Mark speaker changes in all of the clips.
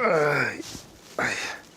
Speaker 1: Ay. Ay.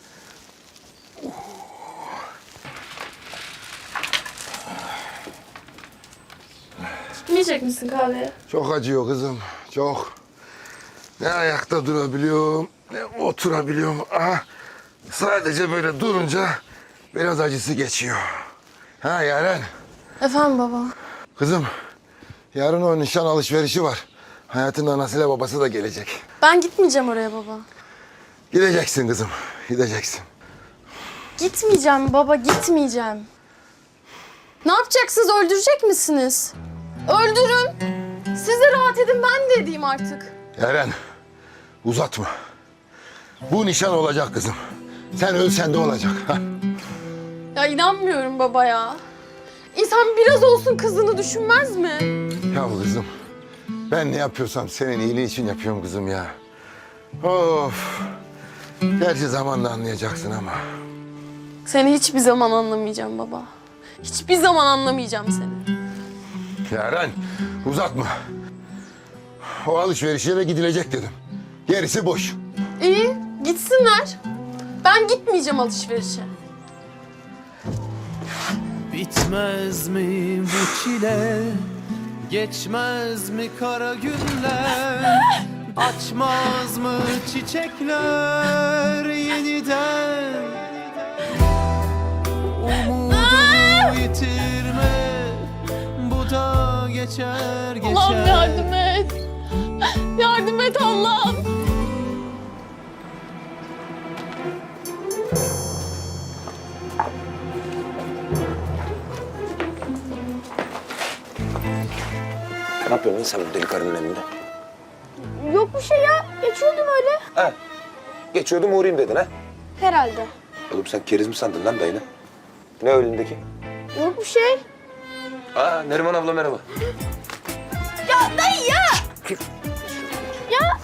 Speaker 2: İçmeyecek misin kahveye?
Speaker 1: Çok acıyor kızım, çok. Ne ayakta durabiliyorum, ne oturabiliyorum. Aha, sadece böyle durunca biraz acısı geçiyor. Ha Yaren,
Speaker 2: Efendim baba.
Speaker 1: kızım yarın o nişan alışverişi var. Hayatın anasıyla babası da gelecek.
Speaker 2: Ben gitmeyeceğim oraya baba.
Speaker 1: Gideceksin kızım, gideceksin.
Speaker 2: Gitmeyeceğim baba, gitmeyeceğim. Ne yapacaksınız, öldürecek misiniz? Öldürün. Siz de rahat edin, ben de edeyim artık.
Speaker 1: Yaren, uzatma. Bu nişan olacak kızım. Sen ölsen de olacak. Ha?
Speaker 2: Ya inanmıyorum baba ya. İnsan biraz olsun kızını düşünmez mi?
Speaker 1: Ya kızım, ben ne yapıyorsam senin iyiliğin için yapıyorum kızım ya. Of. Gerçi zamanla anlayacaksın ama.
Speaker 2: Seni hiçbir zaman anlamayacağım baba. Hiçbir zaman anlamayacağım seni.
Speaker 1: Yaren, uzatma. O alışverişe de gidilecek dedim. Gerisi boş.
Speaker 2: İyi, gitsinler. Ben gitmeyeceğim alışverişe.
Speaker 3: Bitmez mi bu çile? Geçmez mi kara günler? Açmaz mı çiçekler yeniden? Umudu yitirme, bu da geçer geçer.
Speaker 2: Allah'ım yardım et. Yardım et Allah'ım.
Speaker 4: Ne yapıyorsun lan sen bu deli karının önünde?
Speaker 5: Yok bir şey ya. Geçiyordum öyle.
Speaker 4: Ha? Geçiyordum uğrayayım dedin ha?
Speaker 5: Herhalde.
Speaker 4: Oğlum sen keriz mi sandın lan dayını? Ne önündeki?
Speaker 5: Yok bir şey.
Speaker 4: Aa Neriman abla merhaba.
Speaker 5: Ya dayı ya. Ya.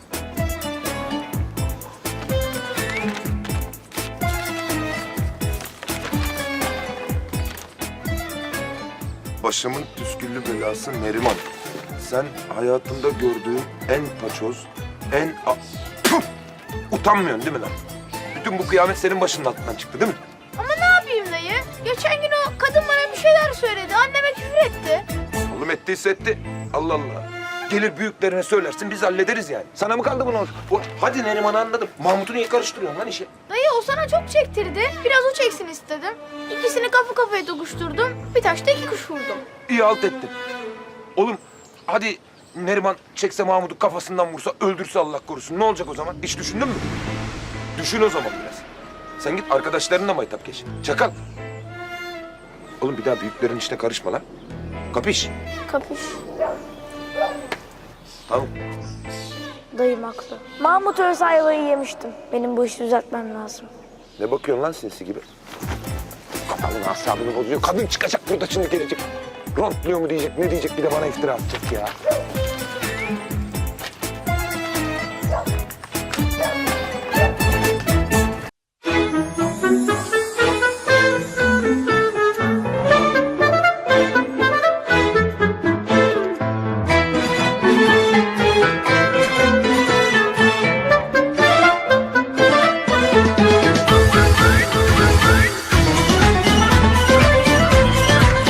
Speaker 4: Başımın püsküllü belası Neriman. Sen hayatımda gördüğüm en paçoz, Puh! Utanmıyorsun değil mi lan? Bütün bu kıyamet senin başının altından çıktı değil mi?
Speaker 5: Ama ne yapayım dayı? Geçen gün o kadın bana bir şeyler söyledi. Anneme küfür etti.
Speaker 4: Oğlum ettiyse etti. Allah Allah. Gelir büyüklerine söylersin biz hallederiz yani. Sana mı kaldı bunu? Hadi Neriman'ı anladım. Mahmut'u niye karıştırıyorsun lan işe?
Speaker 5: Dayı o sana çok çektirdi. Biraz o çeksin istedim. İkisini kafa kafaya dokuşturdum. Bir taşta iki kuş vurdum.
Speaker 4: İyi halt ettin. Oğlum hadi Neriman çekse Mahmut'u kafasından vursa, öldürse Allah korusun. Ne olacak o zaman? Hiç düşündün mü? Düşün o zaman biraz. Sen git arkadaşlarınla maytap geç. Çakal. Oğlum bir daha büyüklerin işine karışma lan. Kapış.
Speaker 5: Kapış.
Speaker 4: Tamam.
Speaker 5: Dayım haklı. Mahmut ölse ayvayı yemiştim. Benim bu işi düzeltmem lazım.
Speaker 4: Ne bakıyorsun lan sinsi gibi? Kafanın asabını bozuyor. Kadın çıkacak burada şimdi gelecek. Rontluyor mu diyecek, ne diyecek bir de bana iftira atacak ya.